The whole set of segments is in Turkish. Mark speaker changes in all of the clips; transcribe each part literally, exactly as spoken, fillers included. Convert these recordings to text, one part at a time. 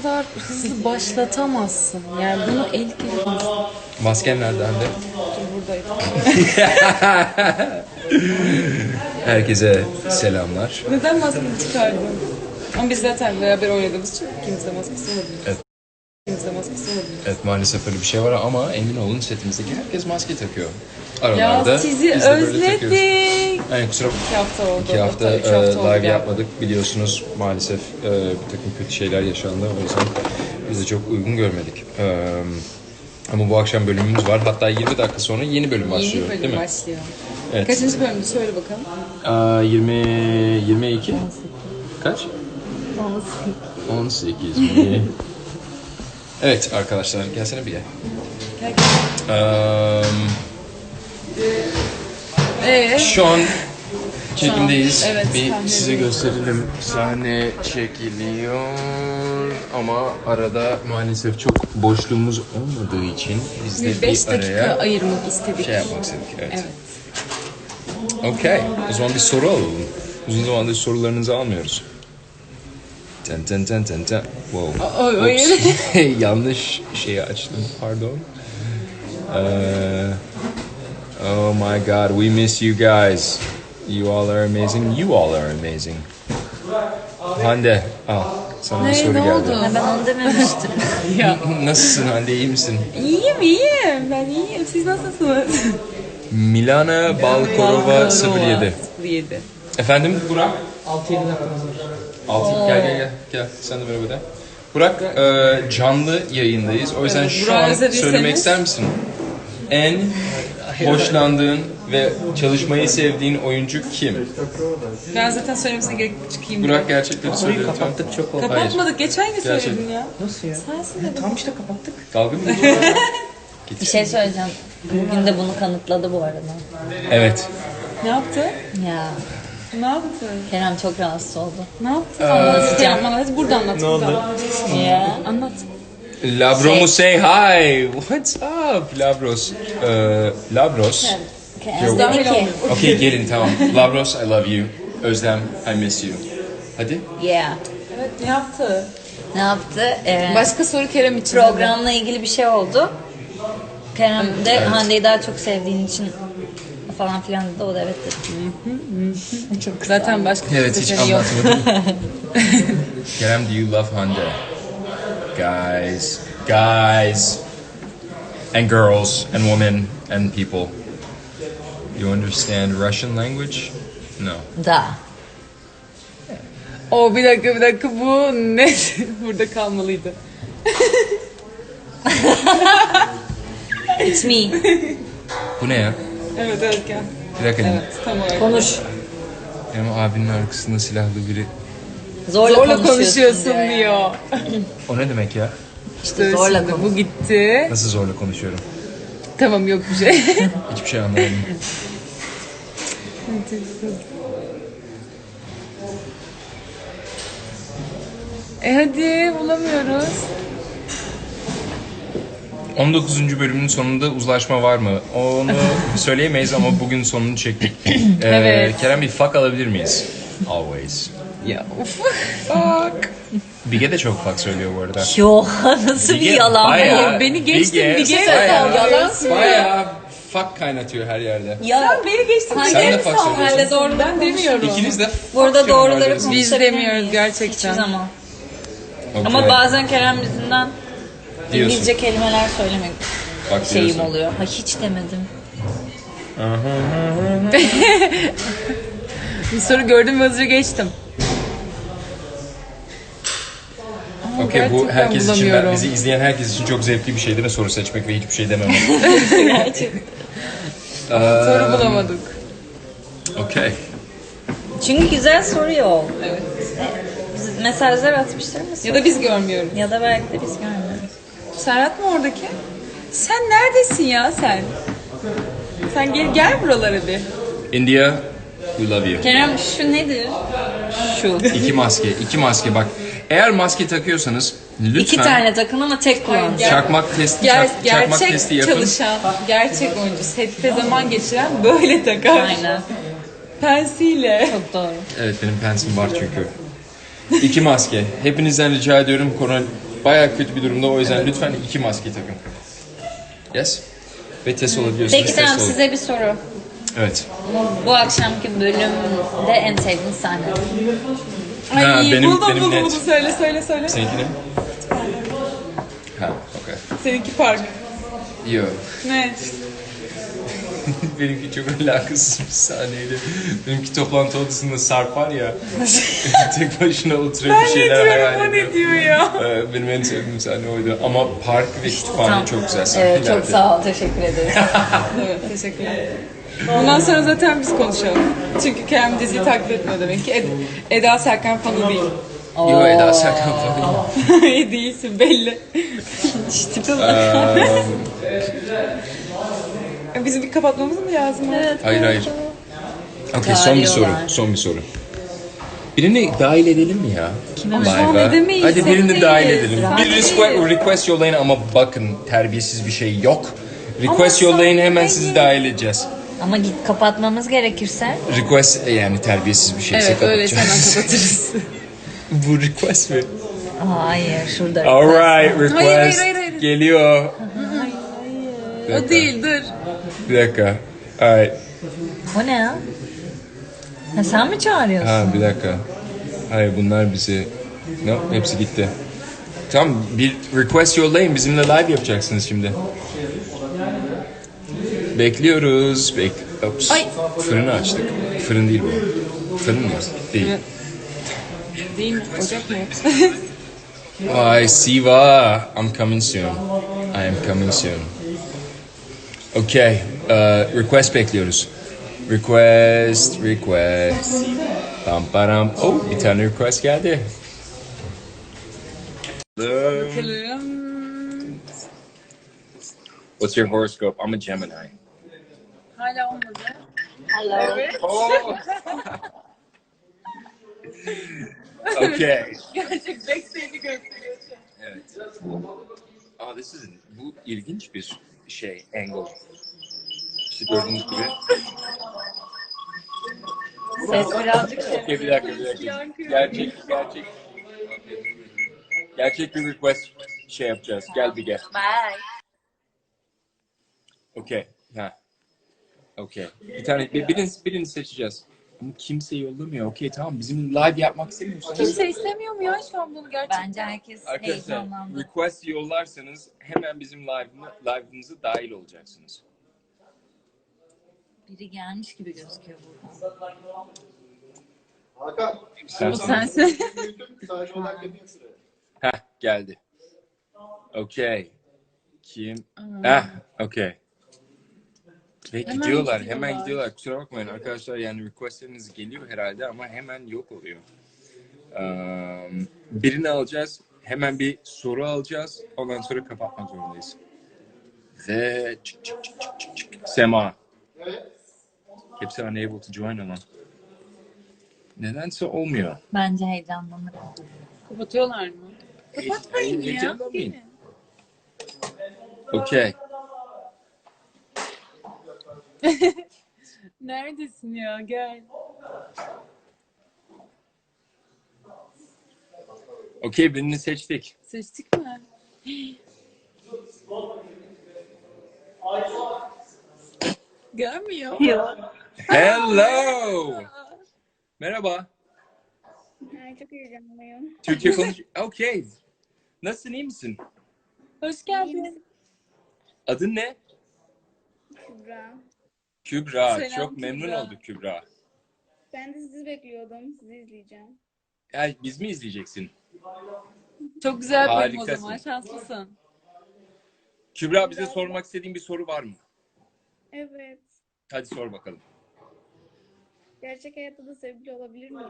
Speaker 1: kadar hızlı başlatamazsın. Yani bunu el kelimesi.
Speaker 2: Masken nerede Hande?
Speaker 1: Buradaydı.
Speaker 2: Herkese selamlar.
Speaker 1: Neden maskeni çıkardın? Ama biz zaten beraber oynadığımız için ikimiz de maskesi olabilir.
Speaker 2: Evet.
Speaker 1: İkimiz de maskesi olabilir.
Speaker 2: Evet, maalesef öyle bir şey var ama emin olun setimizdeki herkes maske takıyor. Aralarda
Speaker 1: Ya sizi
Speaker 2: biz de böyle takıyoruz.
Speaker 1: özledik.
Speaker 2: Yani kusura
Speaker 1: İki hafta oldu.
Speaker 2: İki hafta,
Speaker 1: Hatta üç hafta
Speaker 2: e,
Speaker 1: oldu
Speaker 2: live
Speaker 1: galiba.
Speaker 2: yapmadık. Biliyorsunuz maalesef e, bir takım kötü şeyler yaşandı. O yüzden biz de çok uygun görmedik. E, ama bu akşam bölümümüz var. Hatta yirmi dakika sonra yeni bölüm başlıyor.
Speaker 1: Yeni bölüm
Speaker 2: değil mi?
Speaker 1: başlıyor.
Speaker 2: Evet.
Speaker 1: Kaçıncı bölümdü söyle bakalım.
Speaker 2: Aa, yirmi, yirmi iki? Kaç? on sekiz mi? Evet arkadaşlar gelsene bir gel.
Speaker 1: Gel gel.
Speaker 2: Um,
Speaker 1: Ee,
Speaker 2: şu an çekimdeyiz.
Speaker 1: Evet,
Speaker 2: bir
Speaker 1: sahnedeyiz.
Speaker 2: size gösterelim. Sahne çekiliyor ama arada maalesef çok boşluğumuz olmadığı için biz de
Speaker 1: bir beş
Speaker 2: bir
Speaker 1: dakika
Speaker 2: araya
Speaker 1: ayırmak istedik.
Speaker 2: şey yapmak istedik. Evet.
Speaker 1: Evet.
Speaker 2: Okey. O zaman bir soru alalım. Uzun zamandır sorularınızı almıyoruz. Ten ten ten ten ten. Wow.
Speaker 1: O- o- o
Speaker 2: Oops. Yanlış şeyi açtım. Pardon. Ee, oh my God, we miss you guys. You all are amazing. You all are amazing. Hande, al. Sana bir
Speaker 1: Ne,
Speaker 2: soru
Speaker 1: ne
Speaker 2: geldi.
Speaker 1: oldu?
Speaker 3: Ben onu dememiştim.
Speaker 1: Ya.
Speaker 2: Nasılsın Hande, iyi misin?
Speaker 1: İyiyim iyiyim. Ben iyiyim. Siz nasılsınız?
Speaker 2: Milana Balkorova sıfır yedi.
Speaker 1: sıfır yedi.
Speaker 2: Efendim Burak? altı yedi dakikamız var. altı gel gel gel. Gel sen de merhaba de. Burak e, canlı yayındayız. O yüzden
Speaker 1: Evet,
Speaker 2: şu
Speaker 1: Burak'ı
Speaker 2: an
Speaker 1: özlediyseniz-
Speaker 2: söylemek ister misin? En hoşlandığın ve çalışmayı sevdiğin oyuncu kim?
Speaker 1: Ben zaten söylemesine gerek yok, çıkayım.
Speaker 2: Burak gerçekleri söyle lütfen.
Speaker 4: Kapattık çok oldu.
Speaker 1: Kapatmadık. Geçen gün
Speaker 2: Gerçek.
Speaker 1: söyledin ya.
Speaker 4: Nasıl ya?
Speaker 1: Sensin de.
Speaker 4: Tam işte kapattık.
Speaker 2: Dalga mı geçiyorsun?
Speaker 3: Bir şey söyleyeceğim. Bugün de bunu kanıtladı bu arada.
Speaker 2: Evet.
Speaker 1: Ne yaptı?
Speaker 3: Ya
Speaker 1: Ne yaptı?
Speaker 3: Kerem çok rahatsız oldu.
Speaker 1: Ne yaptı? Anlatacağım. Bana hadi burada anlat. Ne oldu?
Speaker 3: Ya.
Speaker 1: Anlat.
Speaker 2: Labro mu say hi? What's up Labros? E, Labros.
Speaker 3: Kerem dedi ki.
Speaker 2: Okay gelin tamam. Labros I love you. Özlem I miss you. Hadi.
Speaker 3: Yeah.
Speaker 1: Evet ne yaptı?
Speaker 3: Ne yaptı? Ee,
Speaker 1: Başka soru Kerem için.
Speaker 3: programla ilgili bir şey oldu. Kerem de Hande'yi daha çok sevdiğin için falan filan dedi. O da evet dedi.
Speaker 1: Çok zaten başka
Speaker 2: Evet hiç
Speaker 1: seçeneği yok.
Speaker 2: anlatmadım. Kerem, do you love Hande? Guys, guys, and girls, and women, and people. You understand Russian language? No.
Speaker 3: Da.
Speaker 1: O bir dakika bir dakika bu ne? Burada kalmalıydı.
Speaker 3: It's me.
Speaker 2: Bu ne ya?
Speaker 1: Evet evet gel.
Speaker 2: Bir dakika.
Speaker 1: Evet tam olarak.
Speaker 3: Konuş.
Speaker 2: Benim abinin arkasında silahlı biri.
Speaker 3: Zorla,
Speaker 1: Zorla
Speaker 3: konuşuyorsun,
Speaker 1: konuşuyorsun
Speaker 3: diyor. ya.
Speaker 1: diyor.
Speaker 2: O ne demek ya?
Speaker 3: İşte zorla
Speaker 1: Şimdi
Speaker 3: konuş.
Speaker 1: bu gitti.
Speaker 2: Nasıl zorla konuşuyorum?
Speaker 1: Tamam yok bir şey.
Speaker 2: Hiçbir şey anlamadım.
Speaker 1: e hadi bulamıyoruz.
Speaker 2: on dokuzuncu bölümün sonunda uzlaşma var mı? Onu söyleyemeyiz ama bugün sonunu çektik. Ee,
Speaker 1: Evet.
Speaker 2: Kerem bir fuck alabilir miyiz? Always.
Speaker 1: Ya uf. Fuck.
Speaker 2: Bige de çok fuck söylüyor bu arada.
Speaker 3: Yo nasıl bir
Speaker 2: Bige
Speaker 3: yalan
Speaker 2: bayağı-
Speaker 3: bu?
Speaker 1: Beni geçtin,
Speaker 2: Bige
Speaker 1: Bige
Speaker 2: bayağı-
Speaker 1: yalan
Speaker 2: Bayağı fuck kaynatıyor her yerde.
Speaker 3: Ya
Speaker 1: Sen beni geçtin.
Speaker 3: Sen
Speaker 1: Bige
Speaker 2: de
Speaker 1: mi
Speaker 2: fuck
Speaker 1: saldın?
Speaker 2: söylüyorsun.
Speaker 1: Ben de doğru ben demiyorum.
Speaker 2: İkiniz de
Speaker 3: burada
Speaker 2: fuck diyorum
Speaker 3: doğruları
Speaker 2: arada.
Speaker 3: konuşabilir
Speaker 1: Biz demiyoruz
Speaker 3: miyiz?
Speaker 1: gerçekten.
Speaker 3: Hiçbir zaman.
Speaker 2: Okay.
Speaker 3: Ama bazen Kerem yüzünden
Speaker 2: Diyorsun.
Speaker 3: İngilizce kelimeler söylemek
Speaker 2: Bak
Speaker 3: şeyim
Speaker 2: diyorsun.
Speaker 3: oluyor. Ha hiç demedim.
Speaker 1: Bir soru gördüm ve hızlıca geçtim. Ama
Speaker 2: Okey bu
Speaker 1: gerçekten
Speaker 2: herkes için, ben,
Speaker 1: bulamıyorum.
Speaker 2: bizi izleyen herkes için çok zevkli bir şey değil mi? Soru seçmek ve hiçbir şey dememek.
Speaker 1: Soru bulamadık.
Speaker 2: Okey.
Speaker 3: Çünkü güzel soruyor.
Speaker 1: Evet.
Speaker 3: Biz mesajlar atmışlar mı?
Speaker 1: Ya da biz görmüyoruz.
Speaker 3: Ya da belki de biz görmüyoruz.
Speaker 1: Serhat mı oradaki? Sen neredesin ya sen? Sen gel gel buralara bir.
Speaker 2: India, we love you.
Speaker 3: Kerem şu nedir? Şu.
Speaker 2: İki maske, iki maske bak. Eğer maske takıyorsanız lütfen
Speaker 3: İki tane takın ama tek kullanın.
Speaker 1: Gel-
Speaker 2: çakmak testi,
Speaker 1: Ger
Speaker 2: çak- çakmak
Speaker 1: gerçek
Speaker 2: testi yapın.
Speaker 1: çalışan, gerçek oyuncu, sette zaman geçiren böyle takar.
Speaker 3: Aynen.
Speaker 1: Pensiyle.
Speaker 3: Çok doğru.
Speaker 2: Evet benim pensim var çünkü. İki maske. Hepinizden rica ediyorum korona bayağı kötü bir durumda. O yüzden lütfen iki maske takın. Yes. Ve test olabiliyorsunuz.
Speaker 3: Peki
Speaker 2: test
Speaker 3: tamam
Speaker 2: olun.
Speaker 3: size bir soru.
Speaker 2: Evet.
Speaker 3: Bu akşamki bölümde en sevdiğiniz sahne.
Speaker 1: Ay
Speaker 2: Ha, benim-
Speaker 1: buldum
Speaker 2: benim
Speaker 1: buldum
Speaker 2: net.
Speaker 1: buldum. Söyle söyle söyle.
Speaker 2: Seninki ne? Ha, okey.
Speaker 1: Seninki park.
Speaker 2: Yo.
Speaker 1: Ne?
Speaker 2: Benimki çok alakasız bir sahneydi. Benimki toplantı odasında Sarp var ya. Tek başına oturuyor bir
Speaker 1: Ben ne
Speaker 2: şeyler
Speaker 1: diyorum
Speaker 2: hayal
Speaker 1: o
Speaker 2: ediyor.
Speaker 1: ne diyor ya?
Speaker 2: Ee, Benim en sevdiğim sahne oydu. Ama park ve kütüphane
Speaker 3: Tamam.
Speaker 2: çok güzel sahnelerdi.
Speaker 3: Evet çok sağ ol teşekkür ederiz.
Speaker 1: Evet teşekkürler. Bundan sonra zaten biz konuşalım. Çünkü Kerem diziyi takip etmiyor demek ki. Ed- Eda Serkan fanı değil.
Speaker 2: Yo Eda Serkan falan.
Speaker 1: İyi değilsin belli.
Speaker 3: İşte
Speaker 1: Bizim bir kapatmamız mı lazım? Evet.
Speaker 2: Hayır hayır. Okey son bir soru.
Speaker 3: Çağırıyorlar.
Speaker 2: Son bir soru. Birini dahil edelim mi ya?
Speaker 1: Ama şu an
Speaker 2: Live'a.
Speaker 1: edemeyiz,
Speaker 2: Hadi birini
Speaker 1: sen
Speaker 2: dahil
Speaker 1: değiliz.
Speaker 2: edelim.
Speaker 1: Sen
Speaker 2: Bir
Speaker 1: değiliz.
Speaker 2: request, request yollayın ama bakın terbiyesiz bir şey yok. Request
Speaker 1: Ama
Speaker 2: yollayın
Speaker 1: sen
Speaker 2: hemen
Speaker 1: değil.
Speaker 2: sizi dahil edeceğiz.
Speaker 3: Ama git kapatmamız gerekirse.
Speaker 2: Request yani terbiyesiz bir şeyse
Speaker 1: Evet öyle
Speaker 2: kapatacağız.
Speaker 1: hemen kapatırız.
Speaker 2: Bu request mi?
Speaker 3: Hayır şurada.
Speaker 2: Alright request
Speaker 1: Hayır, hayır, hayır, hayır.
Speaker 2: geliyor. Bir
Speaker 1: O
Speaker 2: dakika.
Speaker 1: değil dur.
Speaker 2: Bir dakika. Alright.
Speaker 3: O ne ya? Ha, sen mi çağırıyorsun?
Speaker 2: Ha bir dakika. Hayır bunlar bizi... No, hepsi gitti. Tamam bir request yollayın bizimle live yapacaksınız şimdi. Bekliyoruz. Bek Ops.
Speaker 1: Ay.
Speaker 2: Fırını açtık. Fırın değil bu. Fırın mı? Değil.
Speaker 1: Evet. Değil mi? Ocak mı?
Speaker 2: Ay Siva. I'm coming soon. I am coming soon. Okay. Uh, request bekliyoruz. Request, request. Pam param. Oh, bir tane request geldi.
Speaker 1: Bakalım.
Speaker 2: What's your horoscope? I'm a Gemini.
Speaker 1: Hala olmadı.
Speaker 3: Hello.
Speaker 2: Oh. Okay.
Speaker 1: Gerçek backstage'i gösteriyor.
Speaker 2: Evet. Aa, this is, bu ilginç bir şey, angle. İşte gördüğünüz gibi.
Speaker 3: Ses birazcık şey.
Speaker 2: Okay, bir dakika, bir dakika. Gerçek, gerçek. Gerçek bir request şey yapacağız. Gel bir gel.
Speaker 3: Bye.
Speaker 2: Okay. Ha. Okay. Bir tane, bir, birini, birini seçeceğiz. Ama kimse yollamıyor. Okay tamam. Bizim live yapmak istemiyorsanız.
Speaker 1: Kimse istemiyor mu ya şu an bunu gerçekten?
Speaker 3: Bence herkes
Speaker 2: Arkadaşlar
Speaker 3: heyecanlandı.
Speaker 2: request yollarsanız hemen bizim live'ımı, live'ımıza dahil olacaksınız.
Speaker 3: Biri gelmiş gibi gözüküyor buradan.
Speaker 4: Hakan.
Speaker 2: Sen
Speaker 1: Bu sensin.
Speaker 4: Sadece olarak yapayım şuraya.
Speaker 2: Heh geldi. Okay. Kim? Heh okay. Ve
Speaker 1: Hemen
Speaker 2: gidiyorlar,
Speaker 1: gidiyorlar.
Speaker 2: hemen gidiyorlar. Kusura bakmayın arkadaşlar yani requestleriniz geliyor herhalde ama hemen yok oluyor. Um, birini alacağız, hemen bir soru alacağız. Ondan sonra kapatmak zorundayız. Ve çık çık çık çık çık çık. Sema. Hepsi unable to join ama. Nedense olmuyor.
Speaker 3: Bence heyecanlanır.
Speaker 1: Kapatıyorlar mı? Kapatmayın
Speaker 2: Hey-
Speaker 1: ya.
Speaker 2: heyecanlanmayın. Okay.
Speaker 1: Neredesin ya? Gel.
Speaker 2: Okay birini seçtik.
Speaker 1: Seçtik mi? Gelmiyor.
Speaker 2: Hello. Merhaba.
Speaker 5: Ay, çok heyecanlıyım.
Speaker 2: Türkçe konuş. Okay. Nasılsın, iyi misin?
Speaker 1: Hoş geldin.
Speaker 2: Adın ne?
Speaker 5: Kübra.
Speaker 2: Kübra.
Speaker 1: Selam
Speaker 2: Çok memnun
Speaker 1: Kübra.
Speaker 2: olduk Kübra.
Speaker 5: Ben de sizi bekliyordum. Sizi izleyeceğim.
Speaker 2: Ya, biz mi izleyeceksin?
Speaker 1: Çok güzel bölüm o
Speaker 2: Harikasın.
Speaker 1: zaman. Şanslısın.
Speaker 2: Kübra bize sormak istediğin bir soru var mı?
Speaker 5: Evet.
Speaker 2: Hadi sor bakalım.
Speaker 5: Gerçek hayatta da sevgili olabilir miyim?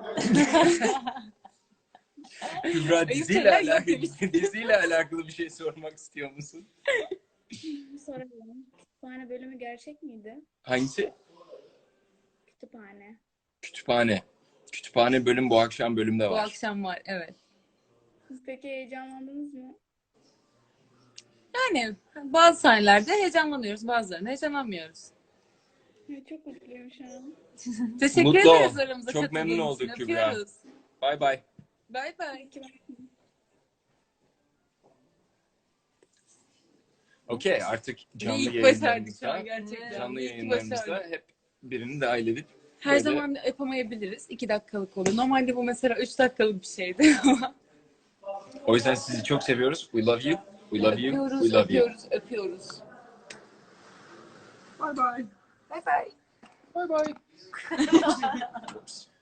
Speaker 2: Kübra diziyle
Speaker 1: şeyler yok
Speaker 2: alakalı,
Speaker 1: demiş.
Speaker 2: diziyle alakalı bir şey sormak istiyor musun?
Speaker 5: Soralım. Kütüphane bölümü gerçek miydi?
Speaker 2: Hangisi?
Speaker 5: Kütüphane.
Speaker 2: Kütüphane. Kütüphane bölüm bu akşam bölümde
Speaker 1: Bu
Speaker 2: var.
Speaker 1: akşam var. Evet.
Speaker 5: Siz peki heyecanlandınız mı?
Speaker 1: Yani bazı sahnelerde heyecanlanıyoruz. Bazılarında heyecanlanmıyoruz.
Speaker 5: Ay, çok mutluyum şu an.
Speaker 1: Teşekkür
Speaker 2: Mutlu ol.
Speaker 1: ederiz aramıza
Speaker 2: Çok
Speaker 1: katıldığın
Speaker 2: memnun
Speaker 1: için.
Speaker 2: olduk Kübra.
Speaker 1: Öpüyoruz.
Speaker 2: Bye bye.
Speaker 1: Bay bay.
Speaker 5: Peki ben
Speaker 2: Okey, artık
Speaker 1: Ve
Speaker 2: canlı
Speaker 1: ilk başardık şu
Speaker 2: yayınlarımızda,
Speaker 1: an gerçekten.
Speaker 2: canlı
Speaker 1: İyi ki
Speaker 2: yayınlarımızda
Speaker 1: başardık.
Speaker 2: hep birini dahil edip
Speaker 1: Her
Speaker 2: böyle-
Speaker 1: zaman yapamayabiliriz. İki dakikalık oluyor. Normalde bu mesela üç dakikalık bir şeydi ama
Speaker 2: O yüzden sizi çok seviyoruz. We love you. We love you.
Speaker 1: öpüyoruz,
Speaker 2: We love you.
Speaker 1: öpüyoruz, öpüyoruz. Bye bye.
Speaker 3: Bye bye.
Speaker 2: Bye bye. Whoops.